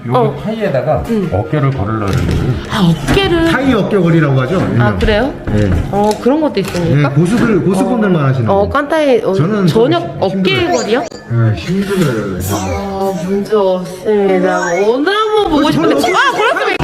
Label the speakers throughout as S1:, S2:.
S1: 여기 타이에다가 어깨를 걸으려고.
S2: 아, 어깨를.
S3: 타이 어깨걸이라고 하죠.
S2: 아, 그래요?
S3: 네.
S2: 그런 것도 있습니까?
S3: 네, 고수분들만 하시는 거.
S2: 깐타이,
S3: 저는
S2: 저녁
S3: 좀
S2: 어깨 거리요?
S3: 네, 힘들어요.
S2: 문제 없습니다. 오늘 한번 보고 싶은데. 그렇습니다.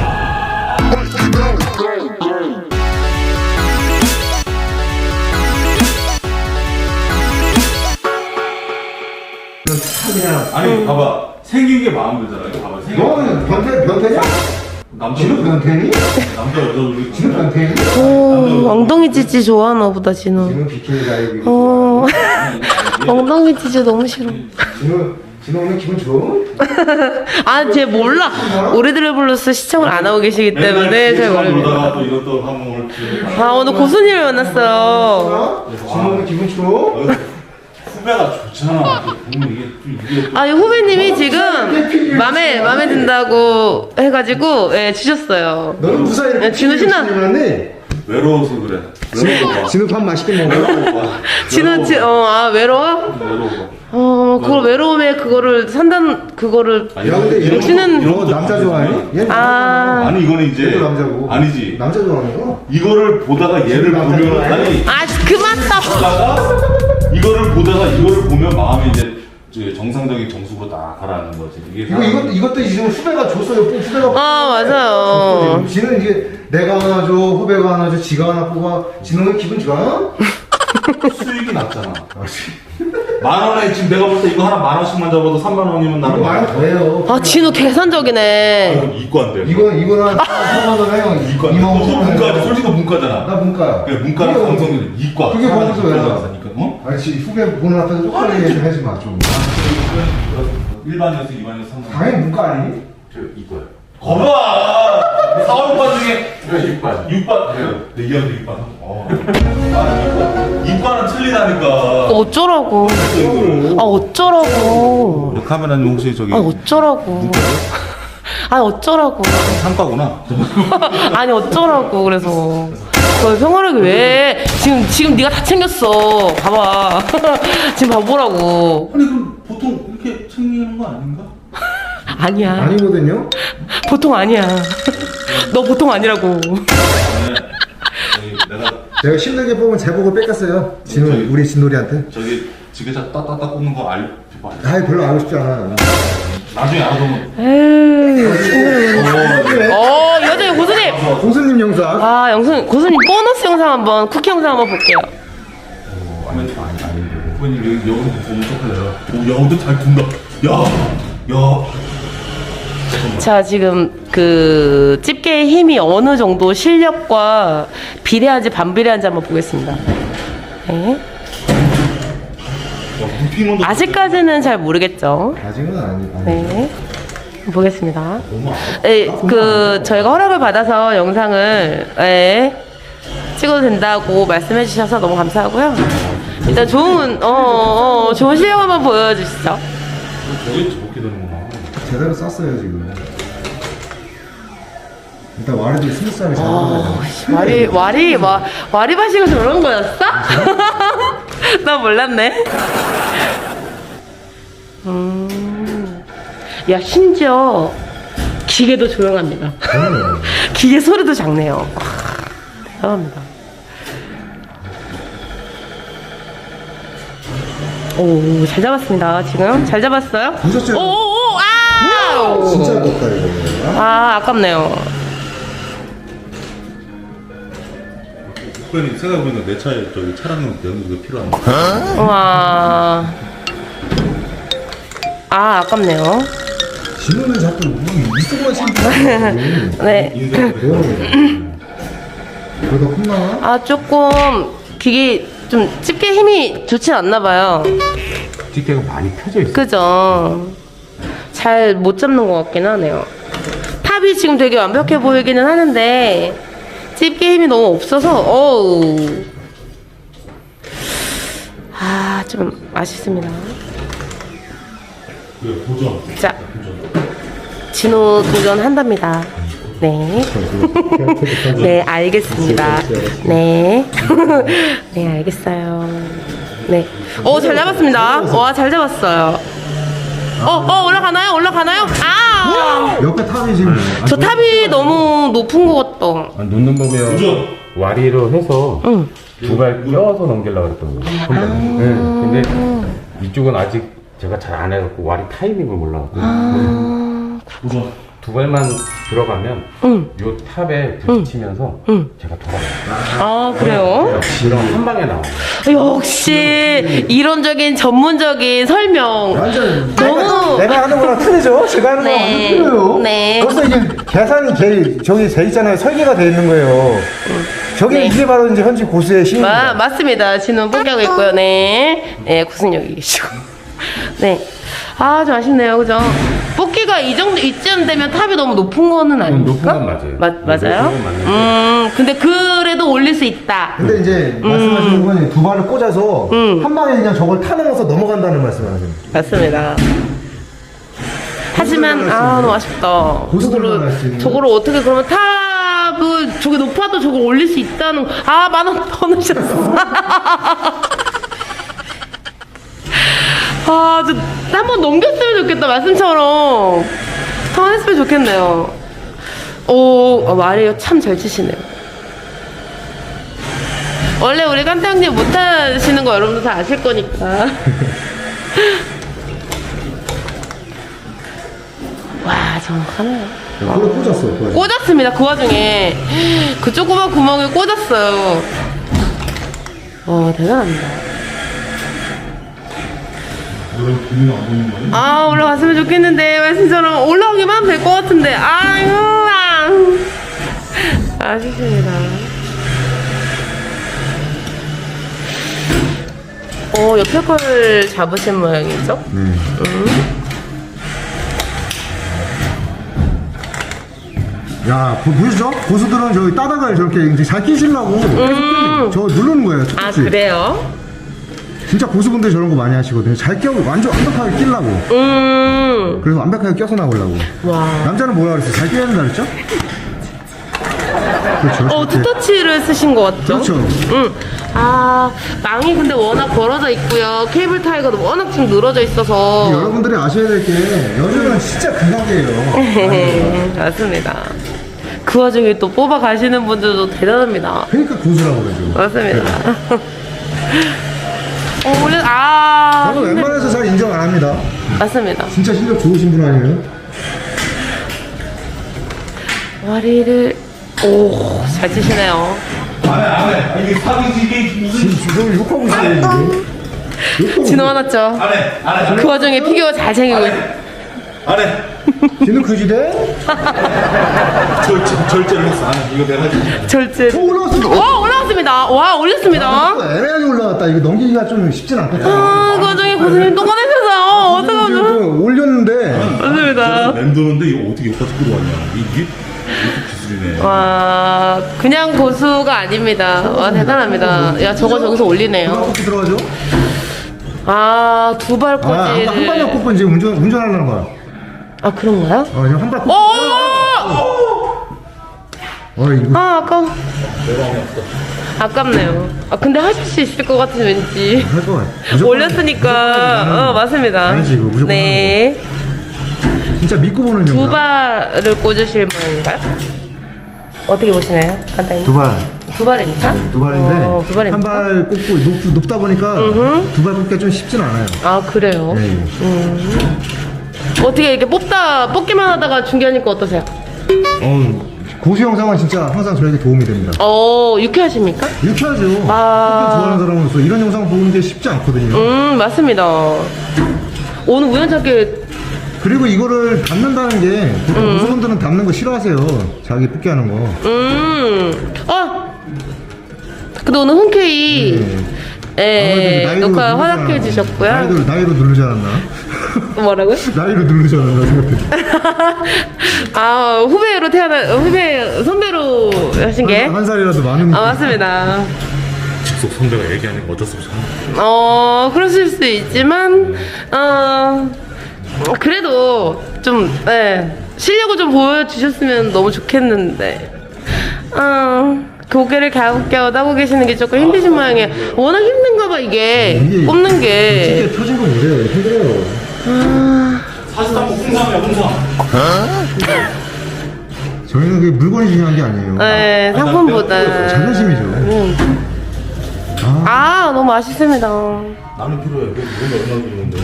S3: 그냥
S4: 아니 봐봐 생긴 게 마음에 들잖아. 이거 봐봐 생긴
S3: 너는 변태냐?
S4: 남자
S3: 진우 변태니?
S4: 남자 여자 우리
S3: 진우 변태니?
S2: 엉덩이 찌찌 좋아하나 보다, 진우.
S3: 진우 비키니 다이빙.
S2: 엉덩이 찌찌 너무 싫어.
S3: 진우 오늘 기분 좋아?
S2: 쟤 몰라. 우리들의 블루스 시청을 안 하고 계시기 때문에 잘 모릅니다.
S4: 놀다가 또 이것도 한번 올지.
S2: 오늘 고수님을 만났어요.
S3: 진우 오늘 기분 좋아?
S4: 후배가 좋잖아. 보면 이게
S2: 이 후배님이 지금 맘에 든다고 해가지고, 주셨어요.
S3: 너는 무사 이렇게
S2: 진우 신나.
S3: 신나네.
S4: 외로워서 그래. 외로워.
S3: 진우 밥 맛있게 먹어.
S2: 진우, 외로워?
S4: 외로워.
S2: 그걸 외로움에 그거를 그거를.
S3: 야 근데 이런
S2: 역시는-
S3: 거 남자 좋아해? 얘는
S4: 아니 이거는 이제
S3: 얘도 남자고.
S4: 아니지.
S3: 남자 좋아하는 거?
S4: 이거를 보다가 얘를
S3: 남자
S4: 보면
S3: 좋아해?
S4: 아니
S2: 그만 떠!
S4: 보다가 이거를 보다가 이거를 보면 마음이 이제 정상적인 정수로 딱 가라앉는 거지. 이게
S3: 이것도 지금 후배가 줬어요. 후배가.
S2: 맞아요.
S3: 지는 이게 내가 하나 줘, 후배가 하나 줘, 지가 하나 뽑아. 진우는 기분 좋아?
S4: 수익이 낮잖아. 10,000원에 지금 내가 볼 때 이거 하나 10,000원씩만 잡아도 30,000원이면 나는
S3: 이거 많이 더해요.
S2: 진우 계산적이네.
S4: 이건 이과인데.
S3: 이거는 한 3만 원 해요.
S4: 이과.
S3: 2만 원.
S4: 너 문과지. 솔직히 문과잖아.
S3: 나 문과야.
S4: 그래 문과는
S3: 그게
S4: 방송들 이과.
S3: 그게 거기서 왜 나와?
S4: 사니까 어?
S3: 아니 지금 후배 보는 앞에서 쪽팔리게 좀 하지 마 좀.
S4: 일반이었어, 2반이었어, 3반.
S3: 당연히 문과 아니니?
S4: 저 이과요. 거봐! 4, 5반 중에 6반. 6반. 내 이현도 6반. 이과는 틀리다니까.
S2: 어쩌라고. 어쩌라고.
S4: 카메라님 혹시 저기
S2: 어쩌라고. 어쩌라고.
S4: 상과구나.
S2: 어쩌라고, 그래서. 평화하게 왜? 지금 네가 다 챙겼어. 봐봐. 지금 봐보라고.
S4: 아니 그럼 보통 이렇게 챙기는 거 아닌가?
S2: 아니야.
S3: 아니거든요.
S2: 보통 아니야. 너 보통 아니라고.
S4: 내가
S3: 제가 힘들게 뽑은 제복을 뺏겼어요. 진우 우리 진놀이한테.
S4: 저기 지게차 따따따 꽂는 거 알고
S3: 아이 별로 알고 싶지 않아.
S4: 나중에 알아보면
S2: 여전히 고수님.
S3: 고수님 영상.
S2: 고수님 보너스 영상 한번, 쿠키 영상 한번 볼게요.
S4: 후배님 여기 여기서 보면 좋겠네요. 야 근데 잘 둔다. 야.
S2: 자, 지금 집게의 힘이 어느 정도 실력과 비례한지 반비례한지 한번 보겠습니다. 네. 아직까지는 잘 모르겠죠.
S3: 아직은 아니.
S2: 네. 보겠습니다. 네, 저희가 허락을 받아서 영상을 찍어도 된다고 말씀해 주셔서 너무 감사하고요. 일단 좋은 실력 한번 보여주시죠.
S4: 저게 저렇게 되는구나.
S3: 제대로 쌌어요 지금. 일단 와리도 스무스하게 잘 나가요.
S2: 와리바시가 저런 거였어? 나 몰랐네. 야, 심지어 기계도 조용합니다. 기계 소리도 작네요. 대단합니다. 오, 잘 잡았습니다. 지금 잘 잡았어요?
S3: 보셨죠?
S2: 진짜
S3: 높다 이거.
S2: 아깝네요.
S4: 후배님 생각해보니까 내 차에 저기 차량용 연기가 필요한데.
S2: 와. 아깝네요.
S3: 진우는 자꾸 이쪽만 신고.
S2: 네.
S3: 그러다 혼나?
S2: 조금 기계 좀 집게 힘이 좋진 않나 봐요.
S1: 집게가 많이 펴져 있어.
S2: 그죠? 잘 못 잡는 것 같긴 하네요. 탑이 지금 되게 완벽해 보이기는 하는데 집게 힘이 너무 없어서 좀 아쉽습니다.
S4: 도전.
S2: 자, 진호 도전한답니다. 네. 네, 알겠습니다. 네. 네, 알겠어요. 네. 잘 잡았습니다. 와, 잘 잡았어요. 올라가나요? 올라가나요?
S3: 옆에 탑이 지금.
S2: 저 탑이 너무 높은 것 같다.
S1: 놓는 법이요.
S4: 그죠?
S1: 와리로 해서
S2: 응.
S1: 두 발 껴서 넘기려고 그랬던 거예요. 네. 근데 이쪽은 아직 제가 잘 안 해갖고 와리 타이밍을 몰라갖고
S4: 그죠?
S1: 두 발만 들어가면 요 탑에 부딪히면서 제가 돌아가요.
S2: 아, 그래요?
S1: 그럼 한 방에 나와요.
S2: 역시 이론적인 전문적인 설명.
S3: 완전
S2: 너무
S3: 내가 하는 거랑 틀리죠? 제가 하는 거랑 완전
S2: 네.
S3: 틀려요.
S2: 네.
S3: 벌써 이게 계산이 저기 돼 있잖아요. 설계가 돼 있는 거예요. 저게
S2: 네.
S3: 이게 바로 이제 현지 고수의 힘입니다.
S2: 맞습니다. 진은 포기하고 있고요. 네. 네, 구승력이 계시고. 네. 아, 좀 아쉽네요. 그죠? 뽑기가 이쯤 되면 탑이 너무 높은 거는 아닙니까?
S1: 높은 건 맞아요.
S2: 맞아요?
S1: 높은 건 맞는데.
S2: 근데 그래도 올릴 수 있다.
S3: 근데 이제 말씀하시는 건 두 발을 꽂아서 한 방에 그냥 저걸 타넘어서 넘어간다는 말씀을 하세요.
S2: 맞습니다. 하지만, 아, 너무 아쉽다.
S3: 고수들만 할수 있는.
S2: 저거를 어떻게 그러면 탑을, 저게 높아도 저걸 올릴 수 있다는, 아, 10,000원 더 넣으셨어. 아, 저 한번 넘겼으면 좋겠다, 말씀처럼. 한번 했으면 좋겠네요. 오, 말이에요. 참 잘 치시네요. 원래 우리 깐타 형님 못하시는 거 여러분들 다 아실 거니까. 와, 정확하네요.
S3: 그걸 꽂았어요. 그거.
S2: 꽂았습니다. 그 와중에 그 조그만 구멍에 꽂았어요. 대단합니다. 아, 올라갔으면 좋겠는데 말씀처럼 올라오기만 하면 될 것 같은데. 아유, 아쉽습니다. 옆에 걸 잡으신 모양이죠?
S3: 야, 보시죠? 고수들은 저기 따다가 저렇게 이제 잘 끼시려고 저 누르는 거예요.
S2: 아,
S3: 툭툭이.
S2: 그래요?
S3: 진짜 고수분들 저런 거 많이 하시거든요. 잘 끼고 완전 완벽하게 끼려고. 그래서 완벽하게 껴서 나오려고.
S2: 와.
S3: 남자는 뭐라 그랬어요? 잘 끼야 된다 그랬죠? 그렇죠. 저렇게.
S2: 투터치를 쓰신 것 같죠?
S3: 그렇죠.
S2: 아, 망이 근데 워낙 벌어져 있고요. 케이블 타이거도 워낙 지금 늘어져 있어서.
S3: 여러분들이 아셔야 될 게 요즘은 진짜 극악이에요.
S2: 맞습니다. 그 와중에 또 뽑아 가시는 분들도 대단합니다.
S3: 그러니까 고수라고 그러죠.
S2: 맞습니다. 원래,
S3: 저는 웬만해서 잘 인정 안 합니다.
S2: 맞습니다.
S3: 진짜 실력 좋으신 분 아니에요?
S2: 와리를, 잘 치시네요.
S4: 안해 이게 사기지 이게 무슨
S3: 지금 욕하고 있어요, 지금. 욕하고
S2: 진호 화났죠?
S4: 안해
S2: 그 와중에 피규어 잘 챙기고 있
S4: 안해
S3: 지는 그 시대?
S4: 절제를 했어. 안해 이거 내가 해줄게.
S2: 절제.
S3: 올라왔어.
S2: 와, 올라왔습니다. 와, 올렸습니다.
S3: 애매하게 올라왔다. 이거 넘기기가 좀 쉽진 않겠다.
S2: 그 와중에 고수님 또 꺼내셔서, 어떡하죠?
S3: 지금 올렸는데
S2: 맞습니다.
S4: 맴도는데 이거 어떻게 여기까지 끌어왔냐. 이게 기술이네.
S2: 와, 그냥 고수가 아닙니다. 와, 대단합니다. 야, 저거 저기서 올리네요.
S3: 어떻게 들어가죠?
S2: 아, 두 발
S3: 아, 한
S2: 꽂이를.
S3: 발만 꽂고 지금 운전하려는 거야.
S2: 아, 그런가요?
S3: 지금 한 발 꽂고. 이거.
S2: 아, 아까워. 아깝네요. 근데 하실 수 있을 것 같은 왠지.
S3: 할 거야. 무조건
S2: 올렸으니까. 맞습니다.
S3: 아니지, 이거 무조건
S2: 네.
S3: 진짜 믿고 보는
S2: 두
S3: 영상.
S2: 발을 꽂으실 모양인가요? 어떻게 보시나요? 간단히.
S3: 두 발.
S2: 두 발이니까?
S3: 두 발인데
S2: 두 발입니까?
S3: 한 발 꽂고 높다 보니까 두 발 꽂기가 좀 쉽진 않아요.
S2: 아, 그래요?
S3: 네.
S2: 어떻게 이렇게 뽑기만 하다가 중계하니까 어떠세요?
S3: 고수 영상은 진짜 항상 저에게 도움이 됩니다.
S2: 유쾌하십니까?
S3: 유쾌하죠. 뽑기
S2: 아.
S3: 좋아하는 사람으로서 이런 영상 보는 게 쉽지 않거든요.
S2: 맞습니다. 오늘 우연찮게
S3: 그리고 이거를 담는다는 게 보통 고수분들은 담는 거 싫어하세요. 자기 뽑기 하는 거.
S2: 근데 오늘 흔쾌히
S3: 나이로
S2: 녹화
S3: 누르지
S2: 허락해
S3: 않았나.
S2: 주셨고요.
S3: 나이로 누르지 않았나?
S2: 뭐라고요?
S3: 나이로 누르지 않았나 생각해.
S2: 후배 선배로 하신 게?
S3: 한 살이라도 많으니까.
S2: 맞습니다.
S4: 직속 선배가 얘기하니까 어쩔 수 없어.
S2: 그러실 수 있지만, 그래도 좀, 실력을 좀 보여주셨으면 너무 좋겠는데, 고개를 갸웃갸웃 하고 계시는 게 조금 힘드신 모양이에요. 워낙 힘든가 봐, 이게. 뽑는 게.
S3: 솔직히 펴진 거 보세요. 힘들어요.
S4: 사실상 뭐 홍삼이야 홍삼.
S3: 저희는 그게 물건이 중요한 게 아니에요.
S2: 네, 상품보다.
S3: 자존심이죠.
S2: 아, 너무 맛있습니다.
S4: 나는 필요해. 그거 얼마 주는데?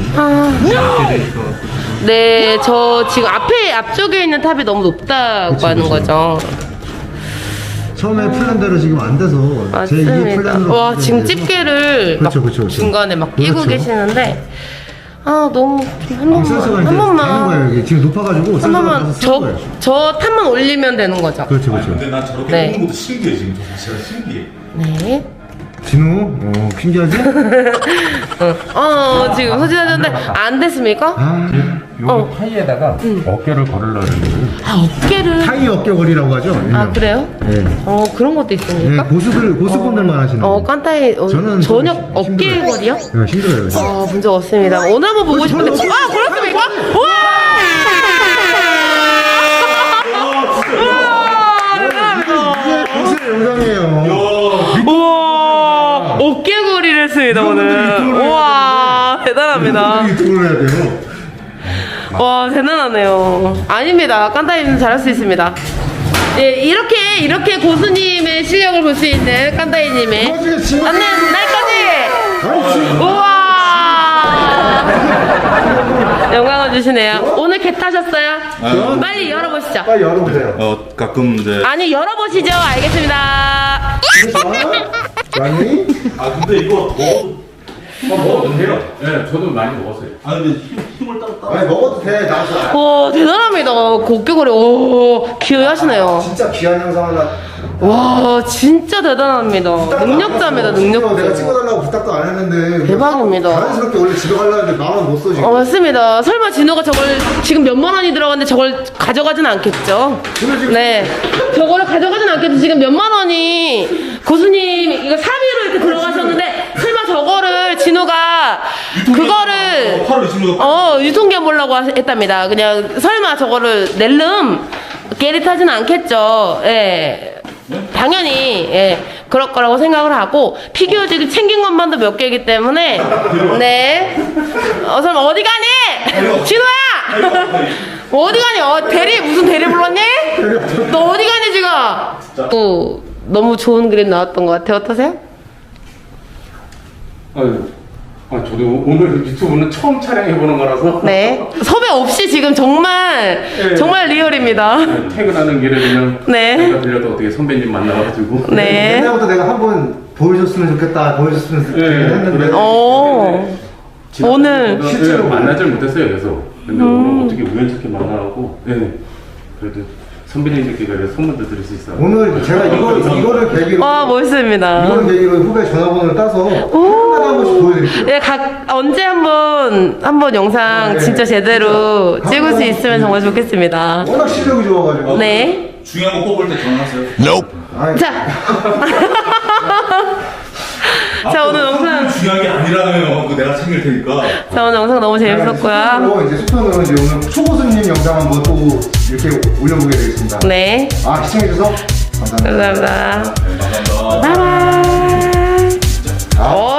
S2: 네, 저 지금 앞쪽에 있는 탑이 너무 높다고
S3: 그치,
S2: 하는
S3: 그치.
S2: 거죠.
S3: 처음에 플랜대로 지금 안 돼서 제 2의
S2: 맞습니다.
S3: 플랜으로
S2: 와,
S3: 바뀌게
S2: 지금
S3: 돼서
S2: 집게를 막
S3: 그렇죠, 그렇죠, 그렇죠.
S2: 중간에 막 끼고
S3: 그렇죠.
S2: 계시는데, 아, 너무 한
S3: 센서가
S2: 번만,
S3: 이제
S2: 한
S3: 되는
S2: 번만,
S3: 거예요. 이게 지금 높아가지고
S2: 한
S3: 센서가
S2: 번만,
S3: 가서 쓰는 거예요.
S2: 저 탑만 올리면 되는 거죠.
S3: 그렇죠,
S4: 아니,
S3: 그렇죠.
S4: 근데 난 저렇게
S2: 네.
S4: 뽑는 것도 신기해 지금. 저 진짜 신기해.
S2: 네.
S3: 진우, 신기하지?
S2: 지금 소진하셨는데, 안 됐습니까?
S3: 아,
S1: 요 타이에다가 어깨를 걸으려고 했는데
S2: 아, 어깨를.
S3: 타이 어깨걸이라고 하죠.
S2: 아,
S3: 일명.
S2: 그래요?
S3: 네.
S2: 그런 것도
S3: 네,
S2: 있습니까?
S3: 고수분들만 하시는 거예요.
S2: 깐타이,
S3: 저는
S2: 저녁
S3: 좀
S2: 어깨
S3: 힘들어요.
S2: 거리요?
S3: 네, 힘들어요.
S2: 문제 없습니다. 오늘 한번 보고 싶은데,
S3: 저는
S2: 그렇습니까?
S3: 이게 고수의 영상이에요.
S2: 우와, 어깨거리를 했습니다, 오늘. 우와, 대단합니다.
S3: 유튜브를 해야 돼요.
S2: 와, 대단하네요. 아닙니다. 깐타이는 잘할 수 있습니다. 예, 이렇게 고수님의 실력을 볼 수 있는 깐타이님의
S3: 나중에 지금
S2: 안는 날까지!
S3: 아니, 지금
S2: 우와! 영광을 주시네요. 오늘 개 타셨어요? 빨리 열어보시죠.
S3: 빨리 열어보세요.
S4: 가끔 이제.
S2: 아니, 열어보시죠. 알겠습니다.
S3: 아니?
S4: 아 근데 이거
S1: 먹어도 돼요. 네, 저도 많이 먹었어요.
S4: 아 근데 힘을 따로.
S3: 아니 먹어도 돼. 나서
S2: 와, 대단합니다. 그 어깨거리. 오, 기여하시네요.
S3: 진짜 귀한 영상 하나.
S2: 와, 진짜 대단합니다. 능력자입니다,
S3: 내가
S2: 능력자.
S3: 찍어달라고 부탁도 안 했는데.
S2: 대박입니다.
S3: 자연스럽게 원래 집에 가려는데 마음은 못 써, 지금.
S2: 맞습니다. 설마 진호가 저걸 지금 몇만 원이 들어갔는데 저걸 가져가진 않겠죠? 네. 저거를 가져가진 않겠죠? 지금 몇만 원이 고수님 이거 3위로 이렇게 들어가셨는데 설마 저거를 진호가 그거를
S4: 팔을 지금
S2: 유통기한 보려고 했답니다. 그냥 설마 저거를 낼름 게릿하진 않겠죠? 예. 당연히 그럴 거라고 생각을 하고 피규어 지금 챙긴 것만도 몇 개이기 때문에 네. 설마 어디 가니? 진호야! 어디 가니? 대리 무슨 대리 불렀니? 너 어디 가니 지금? 또 너무 좋은 그림 나왔던 것 같아요. 어떠세요?
S1: 저도 오늘 유튜브는 처음 촬영해보는 거라서
S2: 네. 섭외 없이 지금 정말 정말 리얼입니다.
S1: 퇴근하는 길에 그냥
S2: 네.
S1: 내가 들려도 어떻게 선배님 만나가지고
S2: 네.
S3: 옛날부터 내가 한번 보여줬으면 좋겠다, 보여줬으면 좋겠다 했는데.
S2: 오늘
S1: 실제로 만나질 못했어요. 그래서 근데 오늘 어떻게 우연찮게 만나고 그래도 선배님들께 그래서 선물도 드릴 수 있어요.
S3: 오늘 제가 이거를 계기로.
S2: 와 멋있습니다.
S3: 이거를 계기로 후배 전화번호를 따서 한 번씩 보여드릴게요.
S2: 네, 언제 한번 영상
S3: 네.
S2: 진짜 제대로 찍을 수 있으면 정말 좋겠습니다.
S3: 워낙 실력이 좋아가지고.
S2: 네.
S4: 중요한 거 뽑을 때 전화하세요.
S3: 아이,
S2: 자. 자, 오늘 영상.
S4: 중요한 게 아니라면 그거 내가 챙길 테니까.
S2: 자, 오늘 영상 너무 재밌었고요.
S3: 이제 수편으로 이제 오늘 초고수님 영상 한번 또 이렇게 올려보게 되겠습니다.
S2: 네.
S3: 시청해주셔서 감사합니다.
S2: 감사합니다.
S4: 네, 감사합니다.
S2: 바이바이.